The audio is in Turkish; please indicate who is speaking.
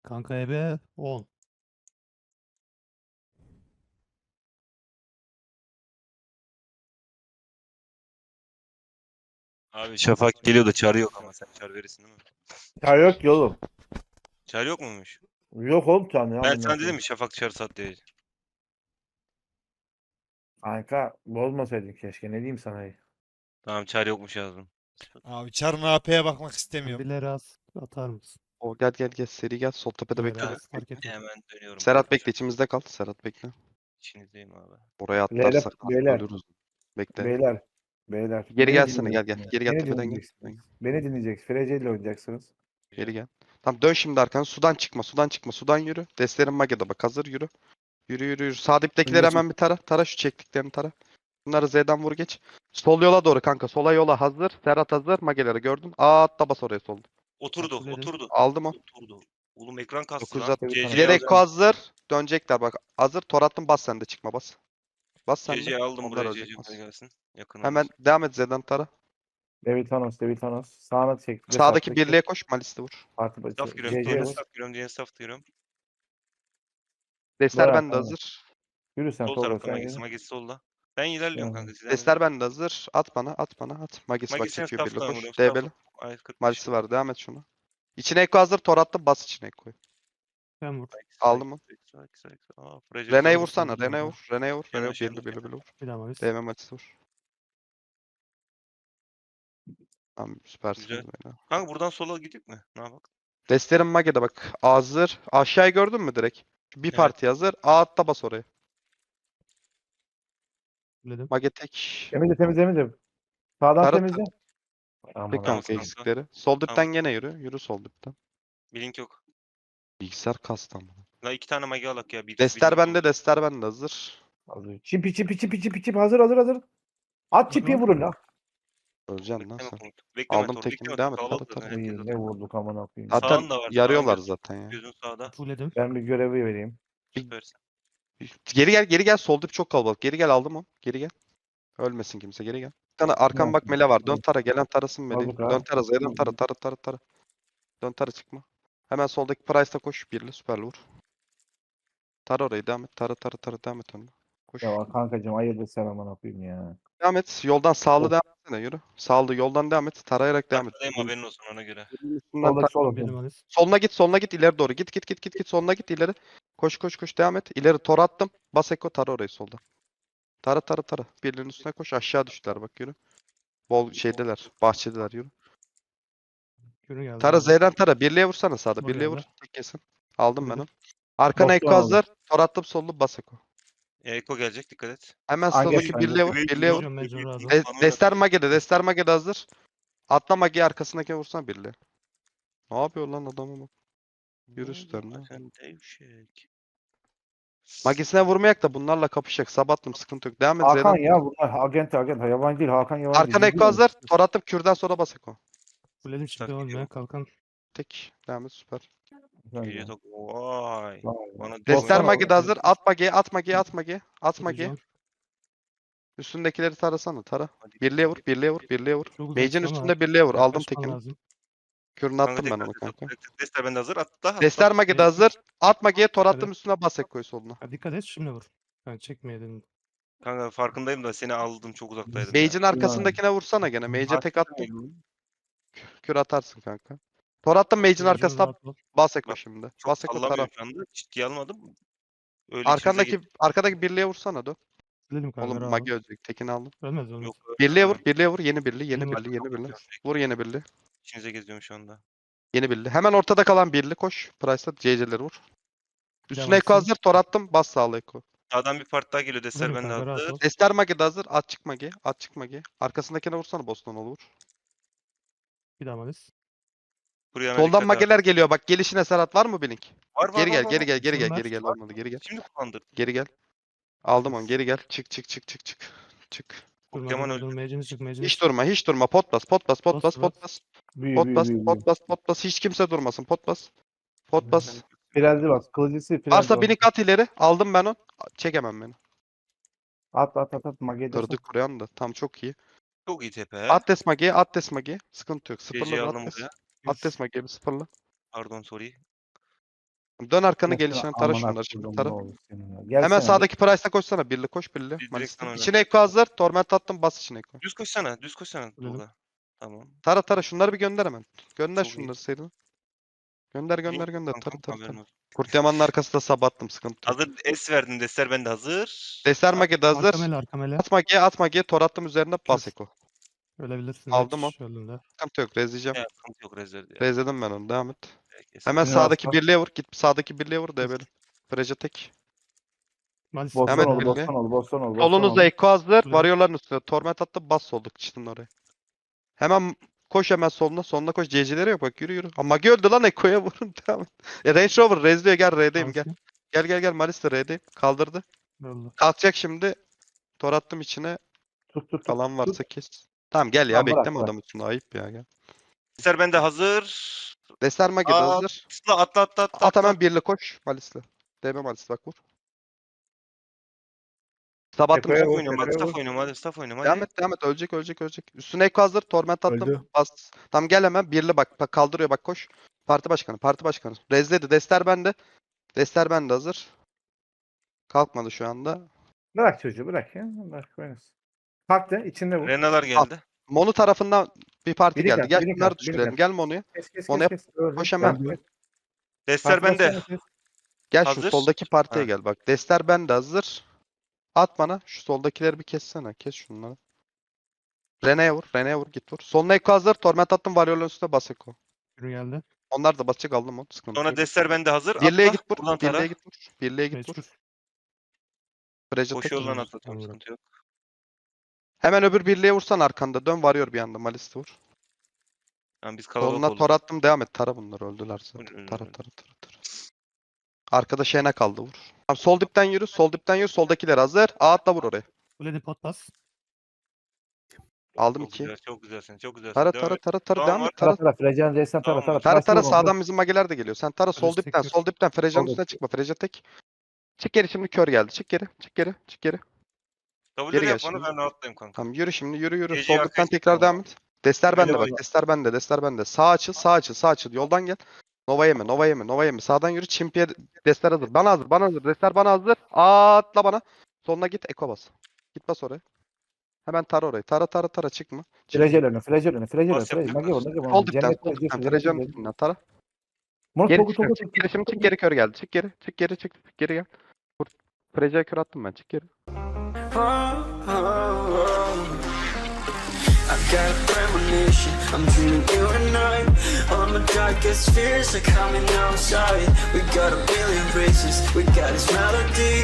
Speaker 1: Kanka ebe 10.
Speaker 2: Abi Şafak geliyor da çağrı yok ama sen çağrı verirsin değil mi?
Speaker 3: Ya yok ki oğlum.
Speaker 2: Çağrı yok muymuş?
Speaker 3: Yok oğlum çağın ya.
Speaker 2: Ben
Speaker 3: amına
Speaker 2: sana dedim
Speaker 3: koyayım.
Speaker 2: mi Şafak çağrı sat diye.
Speaker 3: Kanka bozmasaydın keşke. Ne diyeyim sana?
Speaker 2: Tamam çağrı yokmuş yazdım.
Speaker 4: Abi Char'ın AP'ye bakmak istemiyorum.
Speaker 1: Bir Leras atar mısın?
Speaker 5: O gel seri gel. Sol tepede bekle.
Speaker 1: Leras fark etmez.
Speaker 2: Hemen dönüyorum.
Speaker 5: Serhat
Speaker 2: kanka.
Speaker 5: bekle içimizde kal. Serhat bekle.
Speaker 2: İçinizdeyim abi.
Speaker 5: Oraya
Speaker 3: Beyler,
Speaker 5: atlarsak
Speaker 3: beyler.
Speaker 5: ölürüz. Bekle.
Speaker 3: Beyler. Beyler.
Speaker 5: Geri
Speaker 3: beni
Speaker 5: gelsene gel
Speaker 3: dinleyeceksiniz.
Speaker 5: Geri gel
Speaker 3: Beni
Speaker 5: tepeden gel.
Speaker 3: dinleyeceksiniz. Beni dinleyeceksiniz. Frece ile oynayacaksınız.
Speaker 5: Geri gel. Tamam dön şimdi arkana. Sudan çıkma. Sudan yürü. Destlerin Mage'de bak. Hazır yürü. Yürü. Sağ diptekileri hemen bir tara. Tara şu çektiklerini tara. Bunları Z'den vur geç. Sol yola doğru kanka. Sola yola hazır. Serhat hazır. Mage'leri gördün. Atla bas oraya solda.
Speaker 2: Oturdu,
Speaker 1: Kabul edin.
Speaker 2: oturdu.
Speaker 5: Aldım o.
Speaker 2: Oturdu. Oğlum ekran kastı
Speaker 5: 900
Speaker 2: lan.
Speaker 5: at.
Speaker 3: CC
Speaker 2: CC
Speaker 5: İleri
Speaker 2: aldım.
Speaker 5: Eko hazır. Dönecekler bak. Hazır. Tor attım bas sen de çıkma bas. Bas sen de.
Speaker 2: CC aldım
Speaker 5: Onlar
Speaker 2: buraya.
Speaker 5: ölecek
Speaker 2: CC
Speaker 5: bas.
Speaker 2: buraya gelsin. Yakın
Speaker 5: Hemen
Speaker 2: olur.
Speaker 5: devam et Z'den tara.
Speaker 3: David Thanos. Sağına çek.
Speaker 5: Sağdaki birliğe koş. Malis'te vur.
Speaker 3: Parti başı.
Speaker 2: Staff giriyorum.
Speaker 3: CC
Speaker 2: Diğer
Speaker 3: vur.
Speaker 2: staff giriyorum. Diğer staff giriyorum.
Speaker 5: Destler
Speaker 3: Doğru,
Speaker 5: bende
Speaker 3: tamam.
Speaker 5: hazır.
Speaker 3: Yürü sen
Speaker 2: Sol
Speaker 3: Tolga
Speaker 2: tarafta
Speaker 3: sen
Speaker 2: Magis.
Speaker 3: yürü.
Speaker 2: Magis solda. Ben ilerliyorum
Speaker 3: Tamam.
Speaker 2: kanka. Sizden
Speaker 5: Destler bende hazır. At bana. Magis bak
Speaker 2: Magis sen
Speaker 5: çekiyor birliğe
Speaker 2: staff'tan
Speaker 5: koş.
Speaker 2: vuruyorum.
Speaker 5: DB'li.
Speaker 2: Ay 45.
Speaker 5: Malisi var. Devam et şunu. İçine Eko hazır. Tor attım. Bas içine Eko'yu.
Speaker 1: Ben vur.
Speaker 5: Aldım mı?
Speaker 2: Aa, Frece
Speaker 5: Rene'yi
Speaker 2: vurdu.
Speaker 5: vursana.
Speaker 1: Vurdum
Speaker 5: Rene'ye
Speaker 1: kanka.
Speaker 5: vur. Rene'ye vur.
Speaker 2: Yana
Speaker 5: Rene'ye
Speaker 2: aşağı
Speaker 5: birli
Speaker 2: vur.
Speaker 5: vur.
Speaker 1: Bir daha Malis.
Speaker 5: DM Malisi vur. Tamam süpersiniz
Speaker 2: Güzel.
Speaker 5: böyle.
Speaker 2: Kanka buradan sola gidiyor mu? Ne yapalım?
Speaker 5: Destlerin Mage'de bak. Hazır. Aşağıyı gördün mü direkt? Bir
Speaker 2: Evet.
Speaker 5: parti hazır. A atla bas oraya.
Speaker 1: Dedim.
Speaker 5: Mage tek.
Speaker 3: Temizle. Sağdan
Speaker 5: Tara
Speaker 3: temizle.
Speaker 5: Tek
Speaker 3: Aman
Speaker 5: kanka
Speaker 2: Tamam,
Speaker 3: Allah'ım.
Speaker 5: eksikleri. Sol dipten gene yürü. Yürü sol dipten.
Speaker 2: Blink yok.
Speaker 5: Bilgisayar kastı ama.
Speaker 2: La 2 tane magi alak ya. Bir
Speaker 5: Destler bende hazır.
Speaker 3: Hazır. Çip. Hazır. At çipi vurun la.
Speaker 5: Öleceksin lan
Speaker 2: Bekleme
Speaker 5: sen.
Speaker 2: komut. Bekleme
Speaker 5: Aldım
Speaker 2: Tor.
Speaker 5: tekini,
Speaker 2: Bekleme
Speaker 5: devam
Speaker 2: Tor.
Speaker 5: et,
Speaker 2: Kalabalık
Speaker 5: tara.
Speaker 2: zaten herkes
Speaker 3: İyi, ne
Speaker 2: zaten.
Speaker 3: vurduk aman koyayım.
Speaker 5: Zaten
Speaker 2: Sağın da var.
Speaker 5: yarıyorlar
Speaker 2: Sağın
Speaker 5: zaten ya.
Speaker 2: gözün sağda.
Speaker 1: Fulledim.
Speaker 3: Ben bir görevi vereyim.
Speaker 2: Süpersin.
Speaker 5: Geri gel sol dip çok kalabalık. Geri gel aldım o. Geri gel. Ölmesin kimse geri gel. Bir tane arkam bak mele var. Dön tara gelen tarasın meleği.
Speaker 3: Aldık ha.
Speaker 5: Dön tara zeydan tara. Dön tara çıkma. Hemen soldaki Price'ta koş. Birli süperli vur. Tara orayı devam et. Tara devam et önüne. Koş.
Speaker 3: Ya kankacığım hayırdır sen aman koyayım ya.
Speaker 5: Devam et. Yoldan sağlı devam etsene yürü. Sağlı yoldan devam et. Tarayarak devam et.
Speaker 2: Arkadayım haberin olsun ona göre.
Speaker 5: Üstünden
Speaker 3: Soldaki sol
Speaker 1: Bir
Speaker 3: atın.
Speaker 1: Malis.
Speaker 5: Soluna git ileri doğru. Git soluna git ileri. Koş devam et. İleri tor attım. Bas eko tara orayı solda. Tara. Birliğin üstüne koş. Aşağı düştüler bak yürü. Bol şeydeler. Bahçedeler yürü.
Speaker 1: Yürü geldi.
Speaker 5: Tara Z'den tara. Birliğe vursana sağda.
Speaker 1: Vur
Speaker 5: Birliğe vur.
Speaker 1: geldi.
Speaker 5: Tek kesin. Aldım ben
Speaker 1: Vurdum.
Speaker 5: onu. Arkana
Speaker 3: Bostan
Speaker 5: eko
Speaker 3: aldım.
Speaker 5: hazır. Tor attım sollu bas eko.
Speaker 2: Eko gelecek dikkat et.
Speaker 5: Hemen
Speaker 3: Hangi
Speaker 5: soldaki
Speaker 3: hangi?
Speaker 5: birliğe vur. Birliğe vur.
Speaker 1: Mecbur, mecbur razı ol.
Speaker 5: Dester Mage'de hazır. Atla Mage'yi arkasındaki vursana birliğe. Ne yapıyor lan adamı bak. Yürü üstlerine.
Speaker 2: Sen devşek.
Speaker 5: Magisine vurmayak da bunlarla kapışacak. Sabattım sıkıntı yok. Devam et
Speaker 3: Hakan
Speaker 5: Z'den.
Speaker 3: ya bunlar agent yabancı değil Hakan yabancı.
Speaker 5: Arkana
Speaker 3: değil.
Speaker 5: eko hazır. Tor attım kürden sonra bas eko.
Speaker 1: Fulledim şimdi
Speaker 2: Staff
Speaker 1: olmuyor.
Speaker 2: gidiyor.
Speaker 1: Kalkan.
Speaker 5: Tek. Devam et süper.
Speaker 2: İyi tok. Vay. Bana
Speaker 5: Dester
Speaker 3: Bostan
Speaker 5: Mage'de hazır. At Mage'ye. At Mage'ye.
Speaker 1: Vuracağım.
Speaker 5: Üstündekileri tarasana tara.
Speaker 2: Hadi.
Speaker 5: Birliğe vur.
Speaker 1: Çok
Speaker 5: Mage'in
Speaker 1: uzaksın ama
Speaker 5: üstünde birliğe vur. Aldım
Speaker 1: yaklaşman
Speaker 5: tekini.
Speaker 1: lazım.
Speaker 5: Kürünü
Speaker 2: Kanka
Speaker 5: attım ben
Speaker 2: tekrar
Speaker 5: onu kanka.
Speaker 2: Dester bende hazır. Atla.
Speaker 5: Dester Mage'de hazır. At Mage'ye tor attım
Speaker 1: Evet.
Speaker 5: üstüne bas ekoyu soluna.
Speaker 1: Ha, dikkat et şimdi vur. Ben çekmeye dedim.
Speaker 2: Kanka farkındayım da seni aldım çok uzaktaydım ya.
Speaker 5: Mage'in arkasındakine vursana gene. Mage'e tek attım. Kür atarsın kanka. Tor attım Mage'in
Speaker 1: Mecbur
Speaker 5: arkasına
Speaker 1: rahat ol.
Speaker 5: bas eko
Speaker 2: Bak,
Speaker 5: şimdi.
Speaker 2: Çok
Speaker 5: Bas eko tara.
Speaker 2: sallamıyorum şu anda. Ciddiye almadım. Öyle
Speaker 5: Arkadaki birliğe vursana dön.
Speaker 1: Fulledim kanka
Speaker 5: Oğlum
Speaker 1: rahat ol.
Speaker 5: Mage ölecek. Tekini aldım.
Speaker 1: Ölmez.
Speaker 2: Yok.
Speaker 5: Birliğe vur. Yeni birli. Vur yeni birli.
Speaker 2: İçinize geziyorum şu anda.
Speaker 5: Yeni birli. Hemen ortada kalan birli koş. Price'da CC'leri vur. Üstüne
Speaker 1: Devam
Speaker 5: eko
Speaker 1: etsin.
Speaker 5: hazır. Tor attım. Bas sağla eko.
Speaker 2: Sağdan bir part daha geliyor. Dester
Speaker 1: Fulledim
Speaker 2: bende
Speaker 1: kanka rahat
Speaker 2: hazır.
Speaker 1: ol.
Speaker 5: Ester Mage'de hazır. At çık Mage. Arkasındakine vursana Boston'u vur.
Speaker 1: Bir daha Malis.
Speaker 2: Buraya
Speaker 5: Soldan Mage'ler geliyor. Bak gelişine Serhat var mı Blink?
Speaker 2: Var.
Speaker 5: Geri gel.
Speaker 1: Bunlar-
Speaker 5: Olmadı geri gel.
Speaker 2: Şimdi kullandır.
Speaker 5: Geri gel. Aldım onu. Geri gel. Çık. Çık.
Speaker 2: Pokemon öldü.
Speaker 1: Mecimiz çık.
Speaker 5: Hiç durma. Pot bas. Pot bas.
Speaker 3: Büyü.
Speaker 5: Pot bas. Hiç kimse durmasın. Pot bas.
Speaker 3: Frezli bas. Kılıcısı frezli
Speaker 5: Varsa
Speaker 3: bas.
Speaker 5: Blink at ileri. Aldım ben onu. Çekemem beni.
Speaker 3: At. Mage'de
Speaker 5: Kırdık kuruyan da. Tam çok iyi.
Speaker 2: Çok iyi tepe.
Speaker 5: Atlas Mage'ye. Sıkıntı yok. Sıfırla
Speaker 2: CC
Speaker 5: da
Speaker 2: aldım
Speaker 5: Atlas.
Speaker 2: buraya.
Speaker 5: Atlas Mage'ye bir sıfırla.
Speaker 2: Pardon sorry.
Speaker 5: Dön arkanı
Speaker 3: Mesela
Speaker 5: gelişine tara
Speaker 3: amına
Speaker 5: şunları şimdi
Speaker 3: koydum,
Speaker 5: tara.
Speaker 3: ne olur senin ya.
Speaker 5: Hemen
Speaker 3: Gelsene.
Speaker 5: sağdaki Price'a koşsana. Birli koş birli.
Speaker 2: direkt
Speaker 5: Malis'te.
Speaker 2: sana
Speaker 5: İçine Eko hazır. Torment attım bas içine Eko.
Speaker 2: Düz koşsana. Düz koşsana.
Speaker 1: Öyle mi?
Speaker 2: Tolga. Tamam.
Speaker 5: Tara tara şunları bir gönder hemen. Gönder
Speaker 2: Çok iyi.
Speaker 5: şunları Seydin. Gönder gönder
Speaker 2: İyi,
Speaker 5: gönder.
Speaker 2: kankam,
Speaker 5: Tara tara
Speaker 2: haberin
Speaker 5: tara.
Speaker 2: olsun.
Speaker 5: Kurt Yaman'ın arkasında sabattım sıkıntı yok.
Speaker 2: Hazır S verdin. Destler bende hazır.
Speaker 5: Deser Mage'de hazır.
Speaker 1: Arkamele arkamele.
Speaker 5: At Mage'ye tor attım üzerine bas
Speaker 1: Kür.
Speaker 5: Eko.
Speaker 1: Ölebilirsin.
Speaker 5: Aldım
Speaker 1: Reç, öldüğünde.
Speaker 5: Sıkıntı yok rezleyeceğim.
Speaker 2: Ya, sıkıntı yok rezervde ya.
Speaker 5: Rezledim ben onu devam et.
Speaker 2: Herkes.
Speaker 5: Hemen
Speaker 3: Yine
Speaker 5: sağdaki
Speaker 3: atla.
Speaker 5: birliğe vur. Git sağdaki birliğe vur debeli. Freja tek.
Speaker 1: Malis.
Speaker 3: Bostan
Speaker 5: Hemen
Speaker 3: ol,
Speaker 5: birli.
Speaker 3: Bostan ol, Bostan ol.
Speaker 5: Solunuzda Eko hazır.
Speaker 1: Buraya.
Speaker 5: Varıyorların üstüne. Torment attı bas solduk çıktın oraya. Hemen koş hemen soluna. Soluna koş. CC'lere yok bak yürü yürü. Ama Mage öldü lan Eko'ya vurun devam et. Range Rover rezliyor gel R'deyim gel.
Speaker 1: Manisi.
Speaker 5: Gel Malis de R'deyim. Kaldırdı.
Speaker 1: Öldü.
Speaker 5: Kalkacak şimdi. Tor attım içine.
Speaker 3: Tut.
Speaker 5: Kalan varsa kes. Tamam gel ya
Speaker 3: Tamam, bırak,
Speaker 5: bekleme
Speaker 3: bırak.
Speaker 5: adam üstüne ayıp ya gel.
Speaker 2: Destler bende hazır.
Speaker 5: Deser Mage'de
Speaker 2: Aa,
Speaker 5: hazır.
Speaker 2: Atla.
Speaker 5: At hemen birli koş Malis'le. DB Malis'le bak vur. Sabattım
Speaker 3: Eko'ya
Speaker 5: üstüne.
Speaker 3: vur.
Speaker 2: Oynuyorum hadi.
Speaker 3: Tekrar
Speaker 2: Staff oynuyorum hadi. Staff oynuyorum
Speaker 5: Devam
Speaker 2: hadi.
Speaker 5: et. Ölecek. Üstüne Eko hazır. Torment attım.
Speaker 3: Öldü.
Speaker 5: Bas. Tam gel hemen. Birli bak kaldırıyor bak koş. Parti başkanı. Rezledi. Dester bende hazır. Kalkmadı şu anda.
Speaker 3: Bırak çocuğu bırak ya. Bırak oynasın. Kalktı içinde vur.
Speaker 2: Renalar geldi.
Speaker 5: Monu tarafından bir parti
Speaker 3: Biri
Speaker 5: geldi.
Speaker 3: gel,
Speaker 5: Gel
Speaker 3: biri
Speaker 5: bunları
Speaker 3: gel, biri
Speaker 5: düşürelim.
Speaker 3: gel.
Speaker 5: Gel Monu'ya.
Speaker 3: Kes.
Speaker 5: Onu yap.
Speaker 3: Öldü.
Speaker 5: Koş hemen.
Speaker 3: Öldü.
Speaker 2: Destler
Speaker 3: Parti
Speaker 2: bende.
Speaker 3: başkanı kes.
Speaker 5: Gel şu
Speaker 2: Hazır.
Speaker 5: soldaki partiye
Speaker 2: Ha.
Speaker 5: gel bak. Dester bende hazır. At bana. Şu soldakileri bir kessene. Kes şunları. Rene'ye vur git vur. Soluna Eko hazır. Torment attım Varyor'un üstüne bas Eko.
Speaker 1: Yürü geldi.
Speaker 5: Onlar da basacak aldım onu. Sıkıntı
Speaker 2: Sonra
Speaker 5: yok.
Speaker 2: destler bende hazır.
Speaker 5: Birliğe
Speaker 2: Atla.
Speaker 5: git vur.
Speaker 2: Buradan tara.
Speaker 5: Birliğe git vur.
Speaker 1: Mecbur.
Speaker 5: Freja
Speaker 2: Boş
Speaker 5: tek.
Speaker 2: yoldan
Speaker 1: Tamam,
Speaker 2: atlatıyorum.
Speaker 1: tamam.
Speaker 2: Sıkıntı yok.
Speaker 5: Hemen öbür birliğe vursan arkanda. Dön varıyor bir anda. Malis'te vur.
Speaker 2: Yani biz kalabalık
Speaker 5: Soluna
Speaker 2: olduk.
Speaker 5: tor attım devam et. Tara bunlar öldüler zaten.
Speaker 2: Öldü,
Speaker 5: Tara.
Speaker 2: öldü.
Speaker 5: Arkada Şena kaldı vur. Tamam, sol dipten yürü. Soldakiler hazır. Atla vur oraya.
Speaker 1: Kulede pot bas.
Speaker 5: Aldım
Speaker 2: Çok
Speaker 5: 2.
Speaker 2: güzel, çok güzelsin. Çok güzelsin.
Speaker 5: Tara
Speaker 2: Devam et.
Speaker 5: devam
Speaker 2: Tamam,
Speaker 5: et.
Speaker 3: Tara. Frejan Reysen tara.
Speaker 2: Tamam.
Speaker 5: Tara
Speaker 3: Price'e vur onu.
Speaker 5: sağdan bizim mageler de geliyor. Sen tara sol
Speaker 1: Freja
Speaker 5: dipten
Speaker 1: tek
Speaker 5: Freja'nın
Speaker 3: Sol
Speaker 5: üstüne
Speaker 3: dip.
Speaker 5: çıkma. Freja tek. Çık geri şimdi kör geldi. Çık geri.
Speaker 2: W'leri
Speaker 5: Geri gel
Speaker 2: yap bana
Speaker 5: şimdi.
Speaker 2: ben rahatlayayım kanka.
Speaker 5: Tamam yürü şimdi yürü.
Speaker 2: Gece
Speaker 5: Sol dipten
Speaker 2: yaklaşık
Speaker 5: tekrar
Speaker 2: tamam.
Speaker 5: devam et. Destler bende
Speaker 2: Böyle
Speaker 5: bak. Destler bende. Sağ açıl. Yoldan gel. Nova yeme. Sağdan yürü. Çimpiye destler hazır. Bana hazır. Destler bana hazır. Atla bana. Soluna git. Eko bas. Git bas oraya. Hemen tara orayı. Tara çıkma.
Speaker 3: Flagel önü.
Speaker 2: Bas yapacak
Speaker 3: Mage vur.
Speaker 5: Sol dipten. Freja'nın üstünden tara. Geri çık geri şimdi çık geri kör geldi. Çık geri gel. Freja'ya kör attım ben. Çık geri.
Speaker 6: I've got a premonition, I'm dreaming you and I. All my darkest fears are coming outside. We got a billion races, we got this melody.